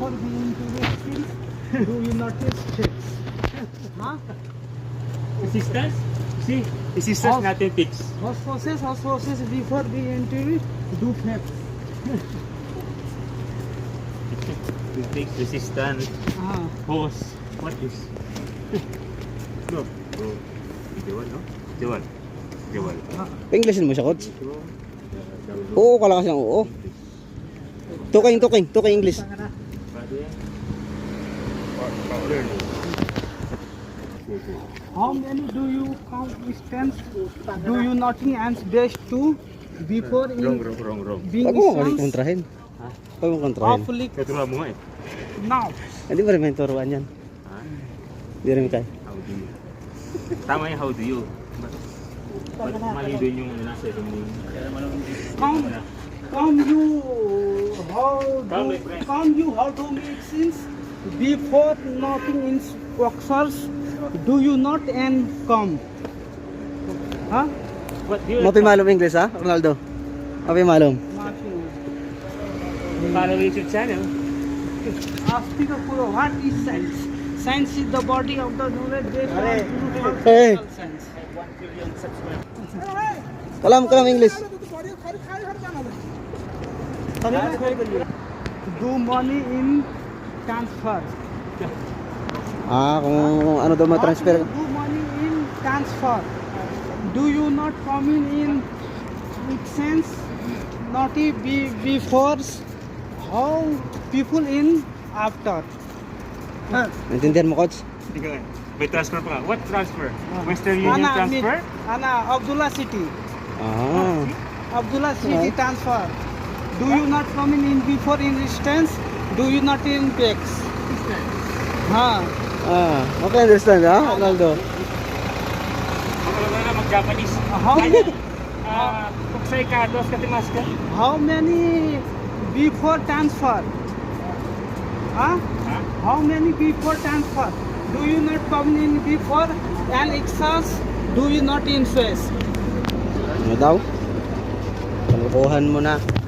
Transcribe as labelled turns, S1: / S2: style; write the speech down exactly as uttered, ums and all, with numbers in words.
S1: before being to the skills, do you notice tricks? Huh?
S2: Resistance? See, resistance
S1: Off.
S2: natin fix.
S1: Osmosis, osmosis before being into it, do flaps.
S2: We fix resistance.
S1: Ah.
S2: Hose. What is? No. Bro. Jewel, no? Jewel. Jewel.
S3: Pa-Englishin mo siya, coach? Oo ka lang kasi ng oo. Tuking, tuking, tuking English.
S1: How many do you count distance? Do you nothing and best to before
S2: Wrong,
S1: in
S2: wrong, wrong, wrong.
S1: being
S3: Huwag mo kali
S1: distance?
S3: kontrahin.
S2: Ha?
S3: Huwag mo kontrahin.
S1: Awfully
S2: Katuruan mo nga eh.
S1: now.
S3: Hindi ba rin may turuan yan?
S2: Ha?
S3: Hindi rin kaya.
S2: How do you? Tama yung how do you. Mal mali din yung nasa yung
S1: Come, come you how
S2: Come,
S1: do
S2: my friend.
S1: come you how to make sense before nothing in boxers? Do you not and come? Huh?
S2: What do you
S3: Mapi malum English ha, Ronaldo? Mapi malum.
S1: Nothing.
S2: follow YouTube channel?
S1: Asking the Puro, what is science? Science is the body of the knowledge based on true
S3: Hey.
S1: physical science.
S2: one billion subscribers.
S3: Kalam, kalam English.
S1: Do money in transfer.
S3: Ah, kung ano daw ma-transfer.
S1: What do money in transfer? Do you not come in in exchange? Not be before. How people in after? Huh?
S3: Naintindihan mo, coach?
S2: Hindi ka. May transfer pa ka. What transfer?
S1: Ah.
S2: Western Union
S1: Ana,
S2: transfer?
S1: Ana, Abdullah City.
S3: Ah.
S1: Abdullah City
S3: Right.
S1: transfer. Do you not come in, in before in distance? Do you not in pex? Ha.
S3: Ah, okay, understand ha, Ronaldo?
S2: Mga na mag-Japanese.
S1: How
S2: Ah, Kuksay ka, dos katimas ka.
S1: how many before transfer? Huh?
S2: Ha?
S1: How many before transfer? Do you not come in before and excess? Do you not in face?
S3: Ano daw? Kalukuhan mo na.